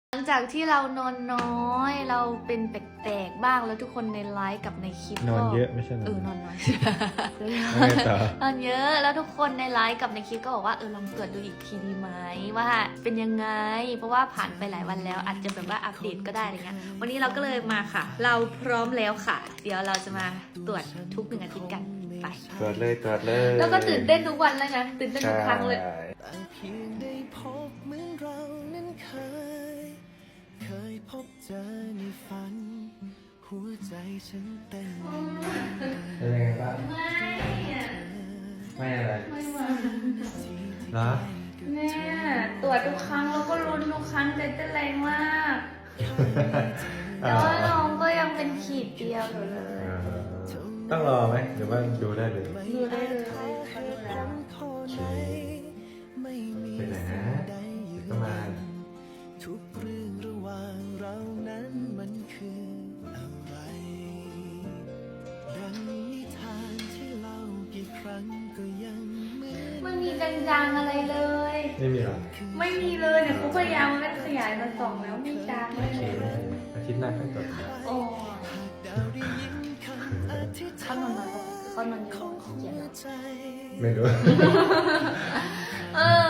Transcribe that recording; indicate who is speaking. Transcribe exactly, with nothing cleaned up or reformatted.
Speaker 1: หลังจากที่เรานอนน้อยเราเป็นแปลกๆบ้างแล้วทุกคนในไลฟ์กับในคลิป
Speaker 2: นอนเยอะไม่ใช่นอน
Speaker 1: เออนอนน้อย
Speaker 2: ไม่ต่อน
Speaker 1: อนเยอะแล้วทุกคนในไลฟ์กับในคลิปก็บอกว่าเออลองตรวจดูอีกทีดีไหมว่าเป็นยังไงเพราะว่าผ่านไปหลายวันแล้วอาจจะแบบว่าอัปเดตก็ได้อะไรเงี้ยวันนี้เราก็เลยมาค่ะ เราพร้อมแล้วค่ะ เดี๋ยวเราจะมาตรวจทุกหนึ่งอาทิตย์กันไป
Speaker 2: ตรวจเลยตรวจเลย
Speaker 1: แล้วก็ตื่นเต้นทุกวันเลยนะตื่นเต้นทุกครั้งเลย
Speaker 3: แต่เพียงได้พบเหมือนเรานั้นเคย เคยพบเจอในฝัน หัวใจฉันเต้น
Speaker 2: เป็นยังไงบ้าง
Speaker 1: ไม่อะ
Speaker 2: ไม่อะไร
Speaker 1: ไม่มา
Speaker 2: เหรอ
Speaker 1: แม่ตรวจทุกครั้งแล้วก็ลุ้นทุกครั้งใจเต้นแรงมากแต่ว่าน้องก็ยังเป็นขีดเดียวอยู่เลย
Speaker 2: ต้องรอไหมหรือว่าดูได้เลย
Speaker 1: ดูได้เลยเขาดูแล้ว
Speaker 3: ไม่มี
Speaker 2: ไปไหนนะก็มา
Speaker 3: ทุกเรื่องระหว่างเรานั้นมันคืออะไรดังนิทานที่เล่ากี่ครั้งก็ยังเหมือน
Speaker 1: ไม่มีจางๆอะไรเลย
Speaker 2: ไม่มีหรอ
Speaker 1: ไม่มีเลยเนี่ยเขาพยายามเล่นขยายมาส่องแล้วไม่จางเลย
Speaker 2: อาทิตย์หน้าค่อยตรวจ
Speaker 1: โอ้
Speaker 3: ดาวได้ยินคำอธิษ
Speaker 1: เขา
Speaker 3: ฐาน
Speaker 1: นอนมาเขานอนอยู่
Speaker 3: ของ
Speaker 1: เขียน
Speaker 3: หัว
Speaker 1: แล้ว
Speaker 3: ใจ
Speaker 2: ไม่รู้
Speaker 1: เออ